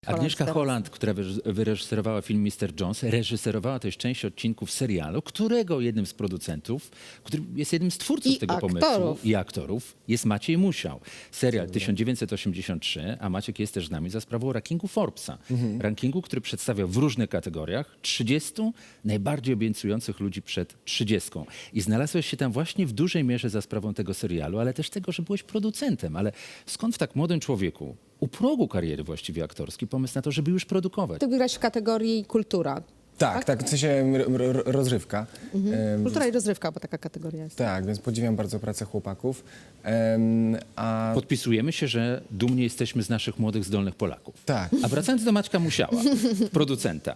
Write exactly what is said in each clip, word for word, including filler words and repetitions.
Agnieszka Holland, która wyreżyserowała film mister Jones, reżyserowała też część odcinków serialu, którego jednym z producentów, który jest jednym z twórców I tego aktorów. pomysłu i aktorów, jest Maciej Musiał. Serial tysiąc dziewięćset osiemdziesiąt trzy, a Maciek jest też z nami za sprawą rankingu Forbesa. Mhm. Rankingu, który przedstawia w różnych kategoriach trzydziestu najbardziej obiecujących ludzi przed trzydziestką. I znalazłeś się tam właśnie w dużej mierze za sprawą tego serialu, ale też tego, że byłeś producentem. Ale skąd w tak młodym człowieku, u progu kariery właściwie aktorskiej, pomysł na to, żeby już produkować? Ty grać w kategorii kultura. Tak, tak, w sensie r- r- rozrywka. Em, Kultura i rozrywka, bo taka kategoria jest. Tak, więc podziwiam bardzo pracę chłopaków. Em, a Podpisujemy się, że dumni jesteśmy z naszych młodych, zdolnych Polaków. tak, A wracając do Maćka Musiała, producenta.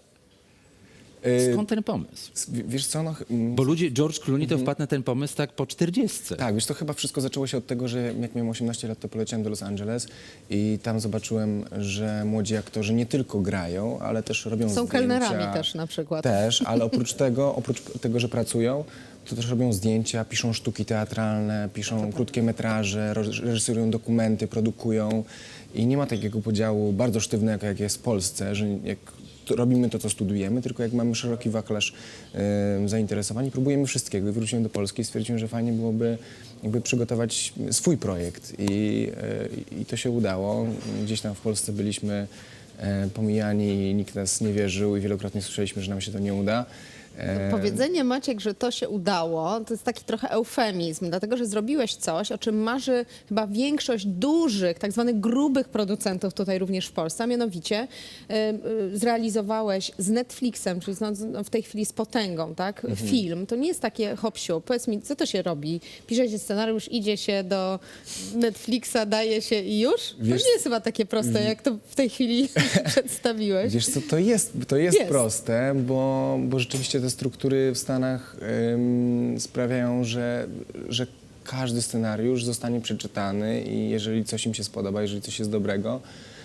y, Skąd ten pomysł? w- wiesz co, no, ch- mm, Bo ludzie, George Clooney to wpadł na ten pomysł tak po czterdziestce. tak, wiesz, to chyba wszystko zaczęło się od tego, że jak miałem osiemnaście lat, to poleciałem do Los Angeles i tam zobaczyłem, że młodzi aktorzy nie tylko grają, ale też robią Są zdjęcia. kelnerami też na przykład. Też, ale oprócz tego, oprócz tego, że pracują, to też robią zdjęcia, piszą sztuki teatralne, piszą krótkie metraże, roz- reżyserują dokumenty, produkują i nie ma takiego podziału bardzo sztywnego, jak jest w Polsce, że jak to robimy to, co studujemy, tylko jak mamy szeroki wachlarz e, zainteresowań i próbujemy wszystkiego. I wróciłem do Polski i stwierdziłem, że fajnie byłoby jakby przygotować swój projekt i, e, i to się udało. Gdzieś tam w Polsce byliśmy e, pomijani, nikt nas nie wierzył i wielokrotnie słyszeliśmy, że nam się to nie uda. E, Powiedzenie, Maciek, że to się udało, to jest taki trochę eufemizm, dlatego że zrobiłeś coś, o czym marzy chyba większość dużych, tak zwanych grubych producentów tutaj również w Polsce, a mianowicie y, y, zrealizowałeś z Netflixem, czyli no, no, w tej chwili z potęgą, tak, film. To nie jest takie hop-siu. Powiedz mi, co to się robi? Pisze się scenariusz, idzie się do Netflixa, daje się i już? Wiesz- to nie jest chyba takie proste, jak to w tej chwili przedstawiłeś. Wiesz co, to jest, to jest, Jest. proste, bo, bo rzeczywiście te struktury w Stanach ym, sprawiają, że, że każdy scenariusz zostanie przeczytany i jeżeli coś im się spodoba, jeżeli coś jest dobrego,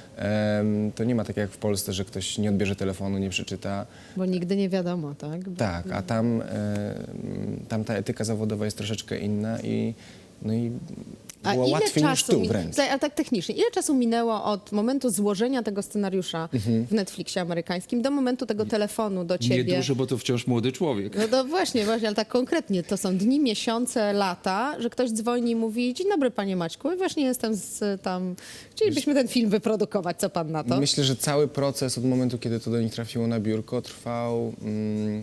ym, to nie ma tak jak w Polsce, że ktoś nie odbierze telefonu, nie przeczyta. Bo nigdy nie wiadomo, tak? Bo... Tak, a tam, ym, tam ta etyka zawodowa jest troszeczkę inna i, no i A było ile łatwiej niż czasu, tu mi- wręcz. Słuchaj, ale tak technicznie, ile czasu minęło od momentu złożenia tego scenariusza Mhm. w Netflixie amerykańskim do momentu tego telefonu do ciebie? Niedużo, bo to wciąż młody człowiek. No to właśnie, właśnie, ale tak konkretnie, to są dni, miesiące, lata, że ktoś dzwoni i mówi: dzień dobry, panie Maćku, właśnie jestem z tam, chcielibyśmy ten film wyprodukować, co pan na to? Myślę, że cały proces od momentu, kiedy to do nich trafiło na biurko, trwał, mm,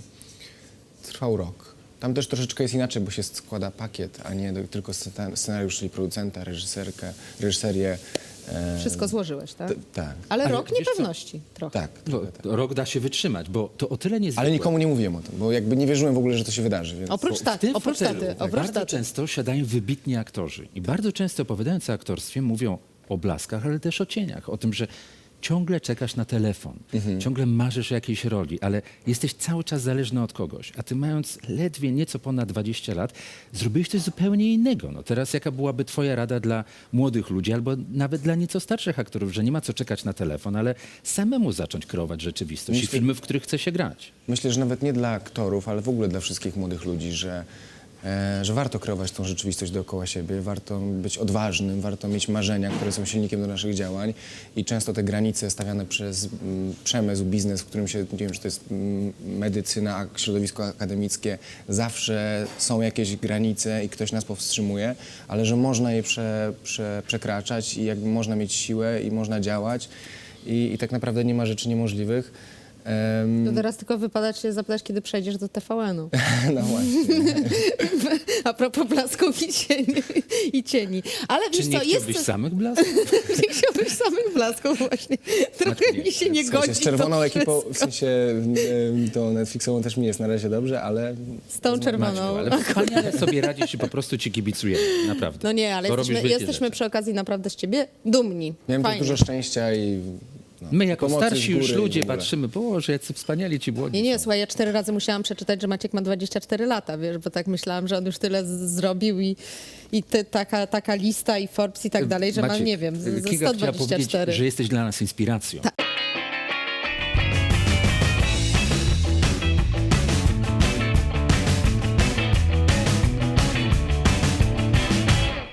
trwał rok. Tam też troszeczkę jest inaczej, bo się składa pakiet, a nie do, tylko scena- scenariusz, czyli producenta, reżyserkę, reżyserię. e, Wszystko złożyłeś, tak? t- tak, Ale, Ale rok wiesz co? niepewności trochę. tak, Bo trochę tak. rok da się wytrzymać, bo to o tyle niezwykłe. Ale nikomu nie mówiłem o tym, bo jakby nie wierzyłem w ogóle, że to się wydarzy. Więc... Oprócz W taty, tym oprócz fotelu taty, oprócz bardzo taty. często siadają wybitni aktorzy i bardzo często opowiadając o aktorstwie mówią o blaskach, ale też o cieniach, o tym, że ciągle czekasz na telefon, ciągle marzysz o jakiejś roli, ale jesteś cały czas zależny od kogoś, a ty mając ledwie nieco ponad dwadzieścia lat, zrobiłeś coś zupełnie innego. No teraz jaka byłaby twoja rada dla młodych ludzi albo nawet dla nieco starszych aktorów, że nie ma co czekać na telefon, ale samemu zacząć kreować rzeczywistość i Myślę- filmy, w których chce się grać. Myślę, że nawet nie dla aktorów, ale w ogóle dla wszystkich młodych ludzi, że, e, że warto kreować tą rzeczywistość dookoła siebie, warto być odważnym, warto mieć marzenia, które są silnikiem do naszych działań i często te granice stawiane przez mm, przemysł, biznes, w którym się, nie wiem, czy to jest mm, medycyna, a środowisko akademickie, zawsze są jakieś granice i ktoś nas powstrzymuje, ale że można je prze, prze, przekraczać i jakby można mieć siłę i można działać i, i tak naprawdę nie ma rzeczy niemożliwych. Em, To teraz tylko wypada cię zapytać, kiedy przejdziesz do T V N-u. No właśnie. A propos blasków i cieni. I cieni. Ale Czy wiesz nie co, jest chciałbyś coś... samych blasków? Nie chciałbyś samych blasków właśnie. Trochę nie, mi się nie W godzi sensie z czerwoną to ekipą, w wszystko. sensie em, to Netflixową też mi jest na razie dobrze, ale Z tą czerwoną. Maćku, ale wspaniale sobie radzisz i po prostu ci kibicujemy, naprawdę. No nie, ale Bo robisz jesteśmy, wielkie jesteśmy rzeczy. przy okazji naprawdę z ciebie dumni. miałem też Fajnie. dużo szczęścia i no, My jako pomocy z starsi już góry i ludzie w ogóle. patrzymy, boże, jacy wspaniali ci młodzi Nie, nie, są. słuchaj, ja cztery razy musiałam przeczytać, że Maciek ma dwadzieścia cztery lata, wiesz, bo tak myślałam, że on już tyle z- zrobił i, i ty, taka, taka lista i Forbes i tak dalej, że ma, Maciek, nie wiem, z- ze Kinga chciała sto dwadzieścia powiedzieć, cztery. że jesteś dla nas inspiracją. Tak.